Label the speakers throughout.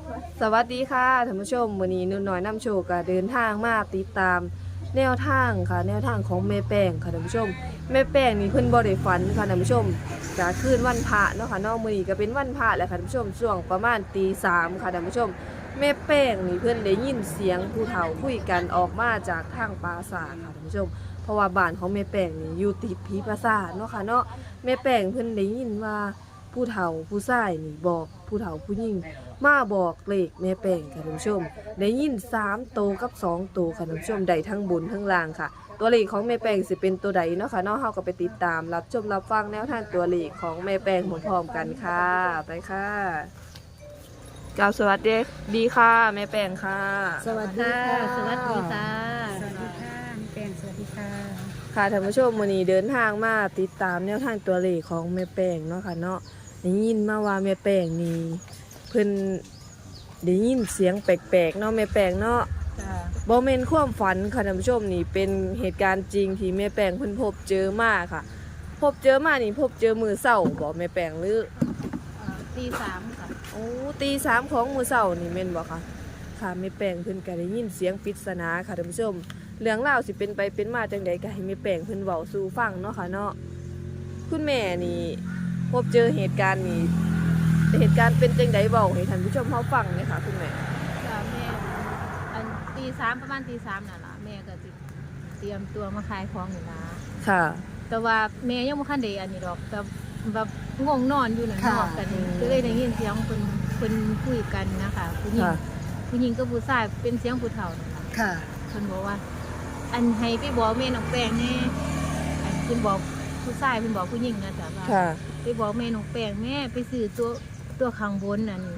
Speaker 1: สวัสดีค่ะท่านผู้ชมมื้อนี้นุ่นน้อยนำโชคก็เดินทางมาติดตามแนวทางค่ะแนวทางของแม่แป้งค่ะท่านผู้ชมแม่แป้งนี่เพิ่นบ่ได้ฝันค่ะท่านผู้ชมก็คืนวันพระเนาะค่ะเนาะมื้อนี้ก็เป็นวันพระแล้วค่ะท่านผู้ชมช่วงประมาณตี 3ค่ะท่านผู้ชมแม่แป้งนี่เพิ่นได้ยินเสียงผู้เฒ่าคุยกันออกมาจากทางปราสาทค่ะท่านผู้ชมเพราะว่าบ้านของแม่แป้งนี่อยู่ติดผีปราสาทเนาะค่ะเนาะแม่แป้งเพิ่นได้ยินว่าผู้เฒ่าผู้ชายนี่บอกผู้เฒ่าผู้หญิงมาบอกเลขแม่แป้งค่ะท่านผู้ชมได้ยิน3โตวกับ2โตวค่ะท่านผู้ชมได้ทั้งบนทั้งล่างค่ะตัวเลขของแม่แป้งสิเป็นตัวใดเนาะค่ะเนาะเฮาก็ไปติดตามรับชมรับฟังแนวทางตัวเลขของแม่แป้งพร้อมๆกันค่ะไปค่ะกล่าวสวัสดีค่ะแม่แป้งค่ะ
Speaker 2: สวัสดีค่ะ
Speaker 3: สวัสดีค่ะ
Speaker 2: สวัสดีค่ะแป้งสวัสดีค่ะ
Speaker 1: ค่ะท่านผู้ชมวันนี้เดินทางมาติดตามแนวทางตัวเลขของแม่แป้งเนาะค่ะเนาะได้ยินมาว่าแม่แป้งนี่เพิ่นได้ยินเสียงแปลกๆเนาะแม่แป้งเนาะ
Speaker 2: จ้า
Speaker 1: บ่แม่นความฝันค่ะท่านผู้ชมนี่เป็นเหตุการณ์จริงที่แม่แป้งเพิ่นพบเจอมาค่ะ พบเจอมานี่พบเจอมื้อเช้าบ่แม่แป้งหรือ
Speaker 3: ตี 3ค่ะ
Speaker 1: โอ้ตีสามของมื้อเช้านี่แม่นบ่คะค่ะแม่แป้งเพิ่นก็ได้ยินเสียงปริศนาค่ะท่านผู้ชมเรื่องราวสิเป็นไปเป็นมาจังใดก็ให้แม่แป้งเพิ่นเว้าสู่ฟังเนาะค่ะเนาะคุณแม่นี่พบเจอเหตุการณ์นี้เหตุการณ์เป็นจังใดเว้าให้ท่านผู้ชมเฮาฟังหน่อยค่ะคุณแม่
Speaker 3: จ้าแม่อันตี 3ประมาณตี 3นั่นล่ะแม่ก็สิเตรียมตัวมาขายของอยู่นะ
Speaker 1: ค่ะ
Speaker 3: แต่ว่าแม่ยังบ่คันได้อันนี้ดอกแต่แบบง่วงนอนอยู่นั่นนอกกันก็เลยได้ยินเสียงเพิ่นคุยกันนะคะผู้หญิง
Speaker 1: ค่ะ
Speaker 3: ผู้หญิงกับผู้ชายเป็นเสียงผู้เฒ่านั่นล่ะ
Speaker 2: ค่ะ
Speaker 3: เพิ่นบอกว่า อันให้ไปบอกแม่น้องแป้งแน่อันเพิ่นบอกผู้ชายเพิ่นบอกผู้หญิงนะจ้ะว่า
Speaker 1: ค่ะ
Speaker 3: ไปบอกแม่น้องแป้งแม่ไปซื้อตัวข้างบนนั่น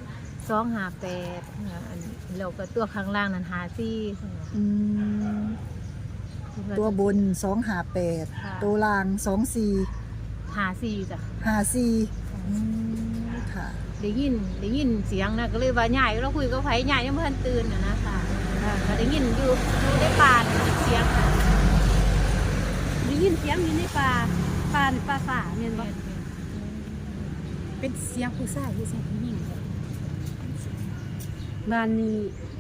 Speaker 3: 258อันแล้วก็ตัวข้างล่างนั่น54
Speaker 2: อืมตัวบน258ตัวล่าง
Speaker 3: 54จ้ะ
Speaker 2: 2454ค่ะ
Speaker 3: ได้ยินเสียงนะก็เลยว่าใหญ่เราคุยกับไผใหญ่ยังบ่ทันตื่นนะค่ะก็ได้ยินอยู่ในป่าเสียงค่ะ
Speaker 4: ได้ยินเสียงอยู่ในป่าฝ่าเนี่ยบ่เป็นเสียงผู้ชายผู้หญิงบ้านนี้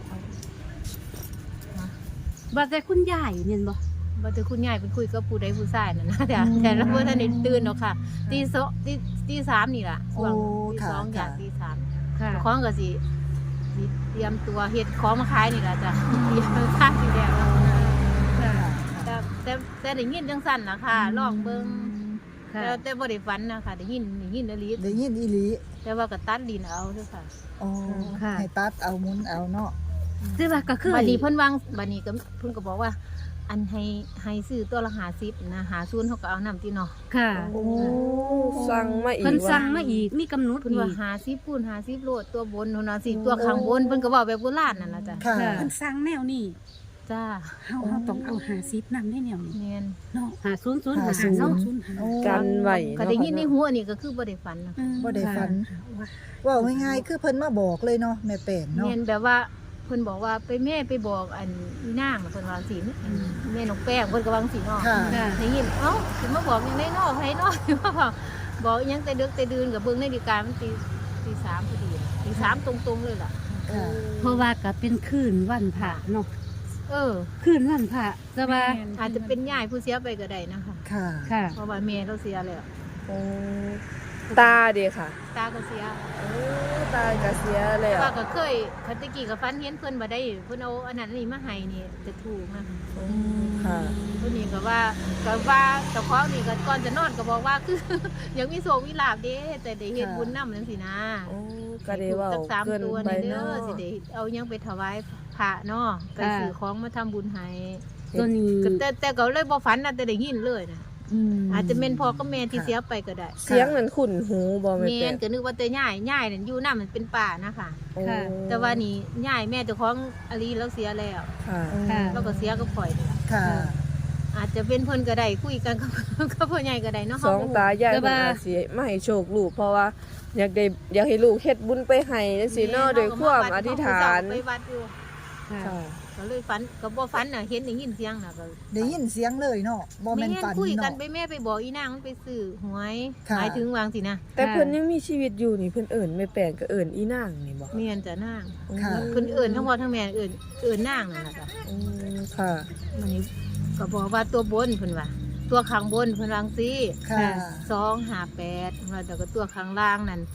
Speaker 4: บ้านแต่คุณยายเนี่ยบ่
Speaker 3: บ่ถือคุณยายเป็นคุยกับผู้ใดผู้ชายนั่นนะแต่เราบ่ทันได้ตื่นหรอกค่ะตี 3นี่ล่ะช่วงตี
Speaker 2: ค่ะ
Speaker 3: 2อย่าง
Speaker 2: ค่ะ
Speaker 3: ตี 3
Speaker 4: ค่ะ
Speaker 3: ของก็สิเตรียมตัวเฮ็ดของมาขายนี่ล่ะจ้ะเตรียมค่าสิแล้ว
Speaker 4: ค่ะ
Speaker 3: แต่ได้ยินจังซั่นล่ะค่ะลองเบิ่ง
Speaker 4: ค่ะ
Speaker 3: แต่บ่ได้ฝันนะคะได้ยินอีหลี
Speaker 2: ได้ยินอีหลี
Speaker 3: แต่ว่าก็ตัดดินเอาเด้อค่ะ
Speaker 2: อ๋อให้ตัดเอาหมุนเอาเนาะ
Speaker 4: แต่ว่าก็คือ
Speaker 3: บัดนี้เพิ่นวางบัดนี้ก็เพิ่นก็บอกว่า อันให้ซื้อตัวละ50นะ50เฮาก็เอานำติเนาะ
Speaker 4: ค่ะ
Speaker 1: โอ้สั่งมาอีก
Speaker 4: เพิ่น
Speaker 1: ว่า
Speaker 4: สั่งมาอีกมีกำหนด
Speaker 3: เพิ่น
Speaker 4: อี
Speaker 3: ว่าก50คูณ50โลดตัวบนเนาะสิตัวข้างบนเพิ่นก็เว้าแบบโบราณนั่นล่ะจ้ะ
Speaker 2: ค่ะ
Speaker 4: เพิ่นสั่งแนวนี้
Speaker 3: จ้า
Speaker 4: เฮาต้องเอา50นำได้แนวนี้
Speaker 3: แม่น
Speaker 4: เนาะ50
Speaker 2: โอ้
Speaker 1: กันไว้
Speaker 3: ก็
Speaker 1: เนาะ
Speaker 3: ได้ยินในหัวนี่ก็คือบ่ได้ฝันนะ
Speaker 2: บ่ได้ฝันว่าง่ายๆคือเพิ่นมาบอกเลยเนาะแม่แป้งเนาะ
Speaker 3: แม่นแบบว่าเพิ่นบอกว่าไปแม่ไปบอกอันอีนางน่ะเพิ่นว่าจังซี่แม่น้องแป้งเพิ่นก็ว่าจังซี่เนาะ
Speaker 2: ค่ะ
Speaker 4: ค่ะ
Speaker 3: ได้ยินเอ้าสิมาบอกยังได้นอกไผนอกบอกอิหยังแต่ดึกแต่ดื่นกับเบิ่งนาฬิกามันตีสามพอดีตีสามตรงๆเลยล่ะ
Speaker 2: ค่ะ
Speaker 4: เพราะว่าก็เป็นคืนวันพระเนาะ
Speaker 3: เออ
Speaker 4: คืนวันพระแต่ว่า
Speaker 3: อาจจะเป็นยายผู้เสียไปก็ได้นะคะ
Speaker 2: ค่ะ
Speaker 4: ค่ะ
Speaker 3: เพราะว่าแม่เราเสียแล้ว
Speaker 1: โอ้ตาเด้ค่ะ
Speaker 3: ตาก็เสีย
Speaker 1: โอ้ตาก็เสียแล้ว
Speaker 3: ว่าก็เคยคันตะกี้ก็ฝันเห็นเพิ่นบ่ได้เพิ่นเอาอันนั้นอันนี้มาให้นี่จะถูกนะ
Speaker 1: ค่ะ
Speaker 3: เพิ่นนี่ก็ว่าเจ้าของนี่ก็ก่อนจะนอนก็บอกว่าคือ ยังมีโชคมีลาภเด้แต่ได้เฮ็ดบุญนำจังซี่นะ
Speaker 1: โอ้ก็ได้เว้า
Speaker 3: จักสาม
Speaker 1: เกิน
Speaker 3: ตัว
Speaker 1: ไป
Speaker 3: นี่เด้
Speaker 1: เนาะ
Speaker 3: อสิได้เอาหยังไปถวายพระเนาะไปซื้อของมาทำบุญให้
Speaker 4: ตัวนี้
Speaker 3: ก็แต่ก็เลยบ่ฝันนะแต่ได้ยินเลยนะ
Speaker 2: ม
Speaker 3: อาจจะเป็นพ่อกับแม่ที่เสียไปก็ได้
Speaker 1: เสียงนั้นขุ่นหูบ่แม่
Speaker 3: แม่
Speaker 1: แป้ง
Speaker 3: นก็นึกว่าแต่ย่ายนั่นอยู่นำมันเป็นป่านะคะ
Speaker 1: โอ้
Speaker 3: แต่ว่านี่ย่ายแม่เจ้าของอลีแล้วเสียแล้ว
Speaker 1: ค่ะ
Speaker 4: ค่ะ
Speaker 3: แล้วก็เสียก็ปล่อยนี่ล่ะ
Speaker 2: ค่ะ
Speaker 3: อาจจะเป็นเพิ่นก็ได้คุยกันกับ กับพ่อใหญ่ก็ได้เนาะ
Speaker 1: สองตายาย
Speaker 4: แต่
Speaker 1: เพิ่น
Speaker 4: ว่า
Speaker 1: อาจสิมาให้โชคลูกเพราะว่าอยากให้ลูกเฮ็ดบุญไปให้จังซี่เนาะด้วยความอธิษฐาน
Speaker 3: ไปวัดอยู่
Speaker 2: ค่ะ
Speaker 1: ค่ะ
Speaker 3: ก็เลยฝันก็บ่ฝันน่ะเห็นได้ยินเสียงน่ะก็
Speaker 2: ได้ยินเสียงเลยเนาะบ่แม่น
Speaker 3: แม่
Speaker 2: ฝัน
Speaker 3: คุยกัน
Speaker 2: เนาะ
Speaker 3: ไปแม่ไปบอกอีนางมันไปซื้อหวย
Speaker 2: ค่ะ
Speaker 3: หมายถึงวางสินะ
Speaker 1: แต่เพิ่นยังมีชีวิตอยู่นี่เพิ่นเอิ้นแม่แป้งก็เอิ้นอีนางนี่บ่
Speaker 3: เมียนจะนาง
Speaker 2: ค่ะ
Speaker 3: เพิ่นเอิ้นทั้งพ่อทั้งแม่เอิ้นนางนั่นล่ะจ้ะ
Speaker 1: อืมค่ะ
Speaker 3: มันนี้ก็บอกว่าตัวบนเพิ่นว่าตัวข้างบนเพิ่นวางสิ
Speaker 2: ค่ะ
Speaker 3: 258ว่าแต่ก็ตัวข้างล่างนั่น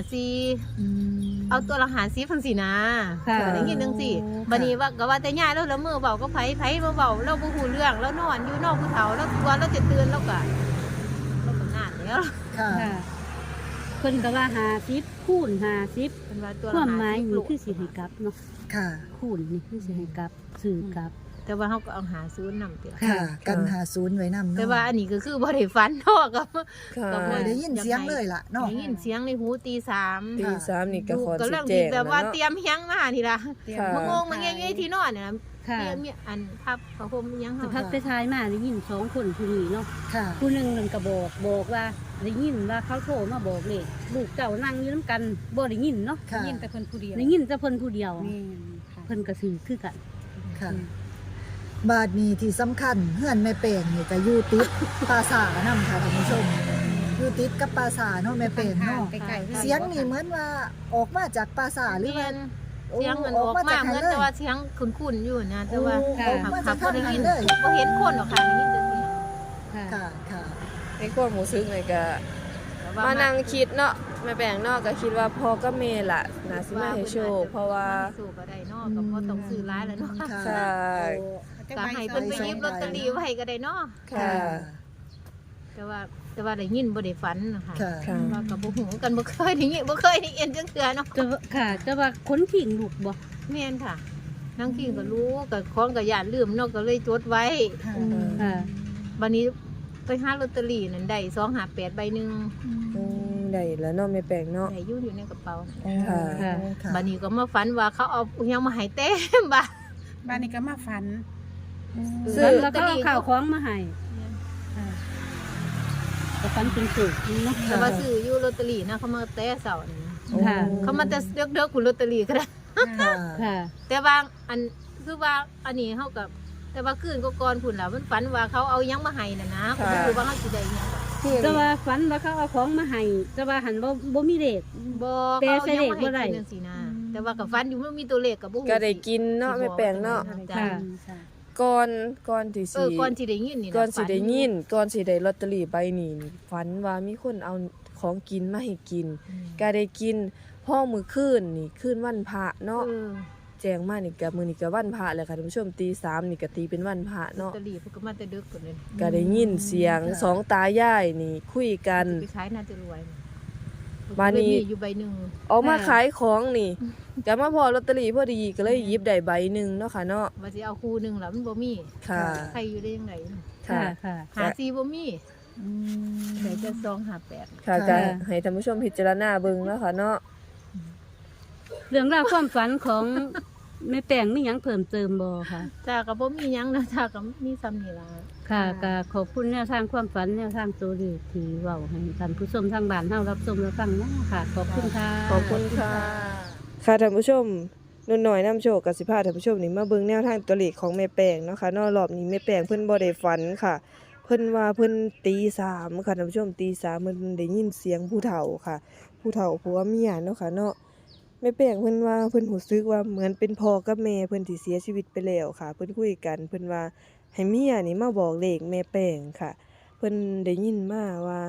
Speaker 3: 54
Speaker 2: อืม
Speaker 3: เอาตัวละ50เพิ่นสินะ
Speaker 4: ค่ะ
Speaker 3: ก็ได้ยินจังซี่บัดนี้ว่าก็ว่าแต่ย่าแล้วละมื้อเว้าก็ไผบ่เว้าเราบ่ฮู้เรื่องแล้วนอนอยู่นอกผู้เฒ่าแล้วตัวเราจะตื่นแล้วก็นานแล้ว
Speaker 2: ค่ะ
Speaker 4: ค่ะเพิ่นก็ว่า50คูณ50
Speaker 3: เพิ่นว่าตัว
Speaker 4: ค
Speaker 3: ละ
Speaker 4: วามหมาย
Speaker 3: 50
Speaker 4: นี่
Speaker 3: ลูก
Speaker 4: คือสิให้กลับเนาะ
Speaker 2: ค่ะ
Speaker 4: คูณนี่คือสิให้กลับซื้อกลับ
Speaker 3: แต่ว่าเฮาก็เอา50นำเตีย
Speaker 2: ค่ะ กัน50ไว้นำเนาะ
Speaker 3: แต่ว่าอันนี้ก็คือบ่ได้ฝันเนาะก็
Speaker 1: ค่ะ
Speaker 3: ก็บ่
Speaker 2: ได้ยินเสียงเลยล่ะเนาะ
Speaker 3: ได้ยินเสียงในหูตีสาม
Speaker 1: ตีสามนี่ก็ขอ
Speaker 3: ก็
Speaker 1: สิ
Speaker 3: เรื่อง
Speaker 1: แจ้
Speaker 3: ที่
Speaker 1: ง
Speaker 3: แบ
Speaker 1: แล้ว
Speaker 3: บว่า
Speaker 1: เนาะ
Speaker 3: เตรียมเฮียงมาทีละ
Speaker 1: ค่ะ
Speaker 3: มางงมาเงี้ยอยู่ในที่นอนเนี่ย
Speaker 4: ค่ะ
Speaker 3: มีอันพับผ้าห่มอิหยัง
Speaker 4: สั
Speaker 3: เฮาก
Speaker 4: พักไปทายมาได้ยิน2คนผู้นี้เนาะ
Speaker 2: ค่ะ
Speaker 4: ผู้หนึงมันก็บอกว่าได้ยินว่าเขาโทรมาบอกเลยลูกเจ้านั่งอยู่นํกันบ่ได้ยินเนาะ
Speaker 2: ค่ะ
Speaker 4: ได้ยินแต่เพิ่นผู้เดียวได้ยินแต่เพิ่นผู้เดียวเพิ่นก็ซื้อคือกัน
Speaker 2: ค่ะ บาดนี้ที่สำคัญเฮือนแม่แป้งนี่ก็อยู่ติดปราสาทนำค่ะท่านผู้ชมอยู่ติดกับปราสาทเนาะแม่แป้งเนาะเสียงนี่เหมือนว่าออกมาจากปราสาทหรือว่า
Speaker 3: เสียงมันออกมาเหมือนแต่ว่าเสียงคุ้นๆอยู่นะแต่ว่า
Speaker 2: โอ้ออกมาจาก
Speaker 3: บ่
Speaker 2: ทาง
Speaker 3: ได้
Speaker 2: นั้
Speaker 3: ยิ
Speaker 2: น
Speaker 3: น
Speaker 2: เลย
Speaker 3: บ่เห็นคนหรอกค่ะได้ยินแต่เสียง
Speaker 2: ค่ะค่ะ
Speaker 1: ในความรู้สึกนี่ก็
Speaker 3: แต่ว่
Speaker 1: มานั่งคิดเนาะแม่แป้งเนาะก็คิดว่าพ่อกับแม่ล่ะน่าสิมาให้โชคเพราะว่า
Speaker 3: สู้ก็ได้เนาะก็บ่ต้องซื้อหลายแล้วเนาะ
Speaker 2: ค่ะ
Speaker 1: ค่ะ
Speaker 3: ก็ให้เพิ่นไปหยิบลอตเตอรี่ไว้ก็ได้เนาะ
Speaker 1: ค่ะ
Speaker 3: แต่ว่าได้ยินบ่ได้ฝันนะคะ
Speaker 2: ค่ะ
Speaker 1: ค่ะ
Speaker 3: ว่าก็บ่ฮู้กันบ่เคยได้ยินบ่เคยได้ยินจังเทื่อเนาะ
Speaker 4: จะค่ะจะว่าคนขิงลูกบ่
Speaker 3: แม่นค่ะนางคิงก็รู้ก็ของก็ย่านลืมเนาะก็เลยจดไว้
Speaker 2: ค่ะ
Speaker 4: ค่ะ
Speaker 3: บัดนี้ไปหาลอตเตอรี่นั่นได้258ใบหนึง
Speaker 1: อืมได้แล้วเนาะแม่แป้งเนาะ
Speaker 3: ได้อยู่ในกระเป๋า
Speaker 1: ค่ะ
Speaker 2: ค่ะ
Speaker 3: บัดนี้ก็มาฝันว่าเขาเอาอิหยังมาให้เต็มบ้าน
Speaker 5: บ้านนี้ก็มาฝัน
Speaker 1: ซื้อ
Speaker 4: แล้วก็เอาข้าวของมาให้ค่ะก็ฝันเป็นสุขเนาะ
Speaker 3: แต่ว่าซื้ออยู่ลอตเตอรี่นะเขามาแต่เช้านี่
Speaker 4: ค่ะ
Speaker 3: เขามาแต่เด็กๆคุณลอตเตอรี่ก็ได้
Speaker 2: ค่ะ
Speaker 4: ค่ะ
Speaker 3: แต่ว่าอันคือว่าอันนี้เฮากับแต่ว่าคืนก็ก่อนพุ่นล่ะมันฝันว่าเขาเอาอิหยังมาให้น่ะนะก็บ่รู้ว่าเฮาสิได้อิหยังดอก
Speaker 1: คือ
Speaker 4: แต่ว่าฝันว่าเขาเอาของมาให้แต่ว่าหันบ่มีเลข
Speaker 3: บ่
Speaker 4: แต่
Speaker 3: เขา
Speaker 4: ใส่
Speaker 3: เอาอิหยังมา
Speaker 4: เลขบ่ได้
Speaker 3: ให้กินจังซี่นะแต่ว่าก็ฝันอยู่มันมีตัวเลขก็บ่ฮู้
Speaker 1: ก็ได้กินเนาะแม่แป้งเนาะ
Speaker 3: จ้ะ
Speaker 4: ค่ะ
Speaker 1: ก่อนที่สิ
Speaker 3: ก่อนสิได้ยินนี่นะ
Speaker 1: ก่อนสิได้ยิน
Speaker 3: ฝั
Speaker 1: ก่อนสิได้ลอตเตอรี่ใบนี้นี่ฝันว่ามีคนเอาของกินมาให้กิน
Speaker 3: อืม
Speaker 1: ก็ได้กินพ่อมื้อคืนนี่คืนวันพระเนาะ
Speaker 3: เออ
Speaker 1: แจ้งมานี่ก็มื้อนี้ก็วันพระแล้วค่ะท่านผู้ชมตี3นี่ก็ตีเป็นวันพระ
Speaker 3: ลอต
Speaker 1: เนาะ
Speaker 3: เตอรี่เพิ่นก็มาแต่ดึกพุ่นเลย
Speaker 1: ก็ได้ยินเสียงสองตายายนี่คุยกัน
Speaker 3: ไปขายน่าจะรวย
Speaker 1: บ้านนี้
Speaker 3: มีอยู่ใบหนึง
Speaker 1: ออกมาขายของนี่ก็มาพอลอตเตอรี่พอดีก็เลยหยิบได้ใบหนึงเนาะค่ะเนาะ
Speaker 3: ว่าสิเอาคู่หนึงล่ะมันบ่มี
Speaker 1: ค่ะ
Speaker 3: ใครอยู่ได้ยังไง
Speaker 1: ค่ะ
Speaker 4: ค่ะ
Speaker 3: หาซีบ่มี
Speaker 2: อืม
Speaker 3: ได้แต่258
Speaker 1: ค่ะ
Speaker 2: ค่ะ
Speaker 1: ก็ให้ท่านผู้ชมพิจารณาเบิ่งเนาะค่ะเนาะ
Speaker 4: เรื่องราวความฝันของแม่แป้งมีหยังเพิ่มเติมบ่ค่ะ
Speaker 3: จ้าก็บ่มีหยังนะจ้าก็มีซ้ำนี่ล่ะ
Speaker 4: ค่ะก็ขอบคุณแนวทางความฝันแนวทางตัวเลขที่เว้าให้ท่านผู้ชมทางบ้านเฮารับชมรับฟังเนาะค่ะ ขอบคุณค่ะ
Speaker 1: ขอบคุณค่ะ ค่ะท่านผู้ชมนุ่นน้อยนำโชคกับสิพาท่านผู้ชมนี่มาเบิ่งแนวทางตัวเลขของแม่แป้งเนาะค่ะเนอกรอบนี้แม่แป้งเพิ่นบ่ได้ฝันค่ะ เพิ่นว่าเพิ่นตี3ค่ะท่านผู้ชมตี3เพิ่นได้ยินเสียงผู้เฒ่าค่ะ ผู้เฒ่าผัวเมียเนาะค่ะเนาะแม่แป้งเพิ่นว่าเพิ่นรู้สึกว่าเหมือนเป็นพ่อกับแม่เพิ่นที่เสียชีวิตไปแล้วค่ะ เพิ่นคุยกันเพิ่นว่าให้เมียนี่มาบอกเลขแม่แป้งค่ะ เพิ่นได้ยินมาว่า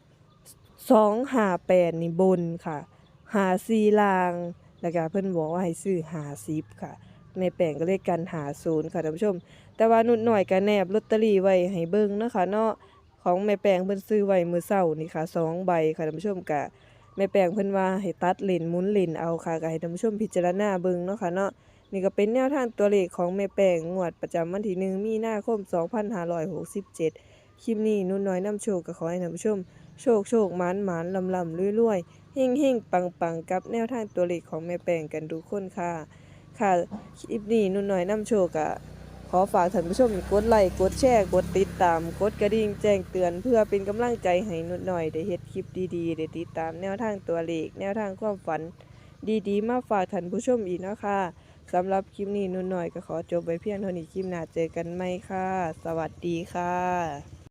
Speaker 1: 258นี่บนค่ะ54ล่าง แล้วก็เพิ่นบอกว่าให้ซื้อ50ค่ะแม่แป้งก็เลยกัน50ค่ะท่านผู้ชม แต่ว่านุ่นน้อยก็แนบลอตเตอรี่ไว้ให้เบิ่งเนาะค่ะเนาะของแม่แป้งเพิ่นซื้อไว้มื้อเช้านี่ค่ะ2ใบค่ะท่านผู้ชมก็แม่แป้งเพิ่นว่าให้ตัดเลนหมุนเลนเอาค่ะก็ให้ท่านผู้ชมพิจารณาเบิ่งเนาะค่ะเนาะนี่ก็เป็นแนวทางตัวเลขของแม่แป้งงวดประจำวันที่1มีนาคม2567คลิปนี้นุ่นน้อยนำโชคก็ขอให้ท่านผู้ชมโชคหมานลำรวยๆ เฮ่งๆ ปังๆ กับแนวทางตัวเลขของแม่แป้งกันทุกคนค่ะ ค่ะคลิปนี้นุ่นน้อยนำโชคอะขอฝากท่านผู้ชมกดไลค์กดแชร์กดติดตามกดกระดิ่งแจ้งเตือนเพื่อเป็นกำลังใจให้นุ่นน้อยได้เฮ็ดคลิปดีๆได้ติดตามแนวทางตัวเลขแนวทางความฝันดีๆมาฝากท่านผู้ชมอีกเนาะค่ะสำหรับคลิปนี้นุ่นหน่อยก็ขอจบไว้เพียงเท่านี้คลิปหน้าเจอกันใหม่ค่ะ สวัสดีค่ะ